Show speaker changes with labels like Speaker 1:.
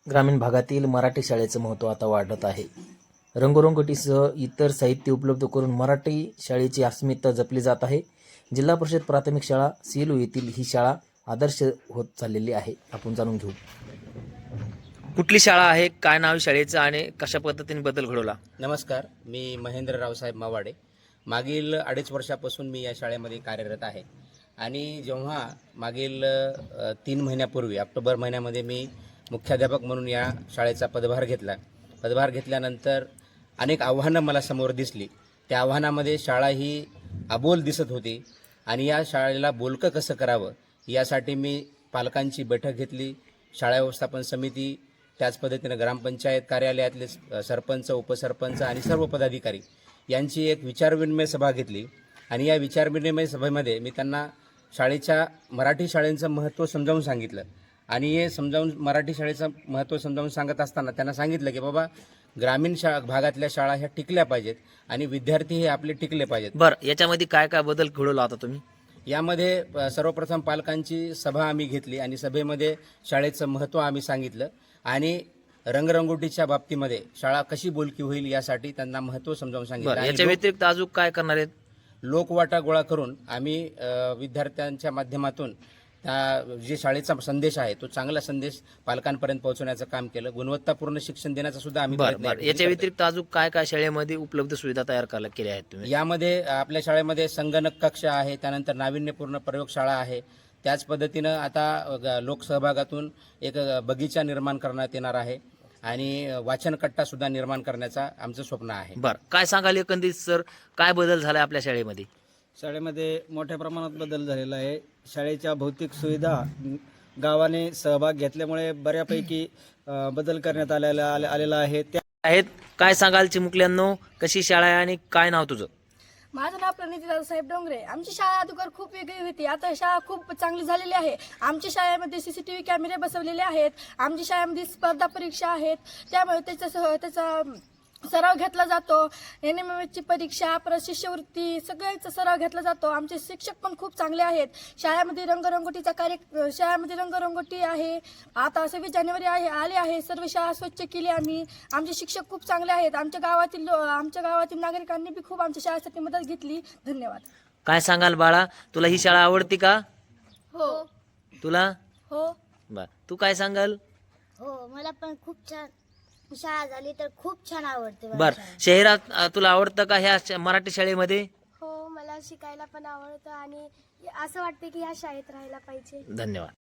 Speaker 1: ग्रामीण भागातील मराठी शाळेचं महत्त्व आता वाढत आहे. रंगरंगोटीसह इतर साहित्य उपलब्ध करून मराठी शाळेची अस्मिता जपली जात आहे. जिल्हा परिषद प्राथमिक शाळा सेलू येथील ही शाळा आदर्श होत चाललेली आहे. आपण जाणून घेऊ. कुठली शाळा आहे, काय नाव शाळेचं आणि कशा पद्धतीने बदल घडवला?
Speaker 2: नमस्कार, मी महेंद्र रावसाहेब मावाडे. मागील 2.5 वर्षापासून मी या शाळेमध्ये कार्यरत आहे आणि जेव्हा मागील 3 महिन्यापूर्वी ऑक्टोबर महिन्यामध्ये मी मुख्याध्यापक म्हणून या शाळेचा पदभार घेतल्यानंतर अनेक आव्हानं मला समोर दिसली. त्या आव्हानामध्ये शाळा ही अबोल दिसत होती आणि या शाळेला बोलकं कसं करावं यासाठी मी पालकांची बैठक घेतली. शाळा व्यवस्थापन समिती, त्याच पद्धतीनं ग्रामपंचायत कार्यालयातले सरपंच, उपसरपंच आणि सर्व पदाधिकारी यांची एक विचारविनिमय सभा घेतली आणि या विचारविनिमय सभेमध्ये मी त्यांना मराठी शाळेचं महत्त्व समजावून सांगितलं आणि हे मराठी शाळेचं महत्त्व समजावून सांगत असताना त्यांना सांगितलं की बाबा, ग्रामीण भागातल्या शाळा ह्या टिकल्या पाहिजेत आणि विद्यार्थी हे आपले टिकले पाहिजेत.
Speaker 1: बरं, याच्यामध्ये काय काय बदल घडवला आता तुम्ही?
Speaker 2: यामध्ये सर्वप्रथम पालकांची सभा आम्ही घेतली आणि सभेमध्ये शाळेचं महत्त्व आम्ही सांगितलं आणि रंगरंगोटीच्या बाबतीमध्ये शाळा कशी बोलकी होईल यासाठी त्यांना महत्त्व समजावून सांगितलं.
Speaker 1: याच्या व्यतिरिक्त अजून काय करणार आहेत?
Speaker 2: लोकवाटा गोळा करून आम्ही विद्यार्थ्यांच्या माध्यमातून जे शाळेचा संदेश आहे तो चांगला संदेश पालकांपर्यंत पोहोचवण्याचं काम केलं. गुणवत्तापूर्ण शिक्षण देण्याचा सुद्धा आम्ही
Speaker 1: याच्या व्यतिरिक्त अजून काय काय शाळेमध्ये उपलब्ध सुविधा तयार केल्या आहेत तुम्ही?
Speaker 2: यामध्ये आपल्या शाळेमध्ये संगणक कक्ष आहे, त्यानंतर नाविन्यपूर्ण प्रयोगशाळा आहे. त्याच पद्धतीनं आता लोकसहभागातून एक बगीचा निर्माण करण्यात येणार आहे आणि वाचनकट्टा सुद्धा निर्माण करण्याचा आमचं स्वप्न आहे.
Speaker 1: बरं, काय सांगाल एकंदरीत सर, काय बदल झाला आपल्या शाळेमध्ये?
Speaker 3: शाळेमध्ये मोठ्या प्रमाणात बदल झालेला आहे. शाळेच्या भौतिक सुविधा गावाने सहभाग घेतल्यामुळे बऱ्यापैकी बदल करण्यात आलेला आहे. त्या
Speaker 1: आहेत, काय सांगाल चिमुकल्यांनो, कशी शाळा आहे आणि काय नाव तुझं?
Speaker 4: माझं नाव प्रणिती दादासाहेब डोंगरे. आमची शाळा अगोदर खूप वेगळी होती, आता शाळा खूप चांगली झालेली आहे. आमच्या शाळेमध्ये CCTV कॅमेरे बसवलेले आहेत. आमच्या शाळेमध्ये स्पर्धा परीक्षा आहेत, त्यामुळे त्याचा सराव घेतला जातो. NMMSची परीक्षा, परत शिष्यवृत्ती, सगळ्याचा सराव घेतला जातो. आमचे शिक्षक पण खूप चांगले आहेत. शाळेमध्ये रंगरंगोटी आहे. आता 26 जानेवारी आले आहे, सर्व शाळा स्वच्छ केली आम्ही. आमचे शिक्षक खूप चांगले आहेत. आमच्या गावातील नागरिकांनी बी खूप आमच्या शाळेसाठी मदत घेतली. धन्यवाद.
Speaker 1: काय सांगाल बाळा, तुला ही शाळा आवडते का?
Speaker 4: हो.
Speaker 1: तुला?
Speaker 4: हो.
Speaker 1: बर, तू काय सांगाल?
Speaker 5: हो, मला पण खूप छान शाळा झाली तर खूप छान आवडते.
Speaker 1: बर, शहरात तुला आवडतं का ह्या मराठी शाळेमध्ये?
Speaker 6: हो, मला शिकायला पण आवडतं आणि असं वाटतं की ह्या शाळेत राहायला पाहिजे.
Speaker 1: धन्यवाद.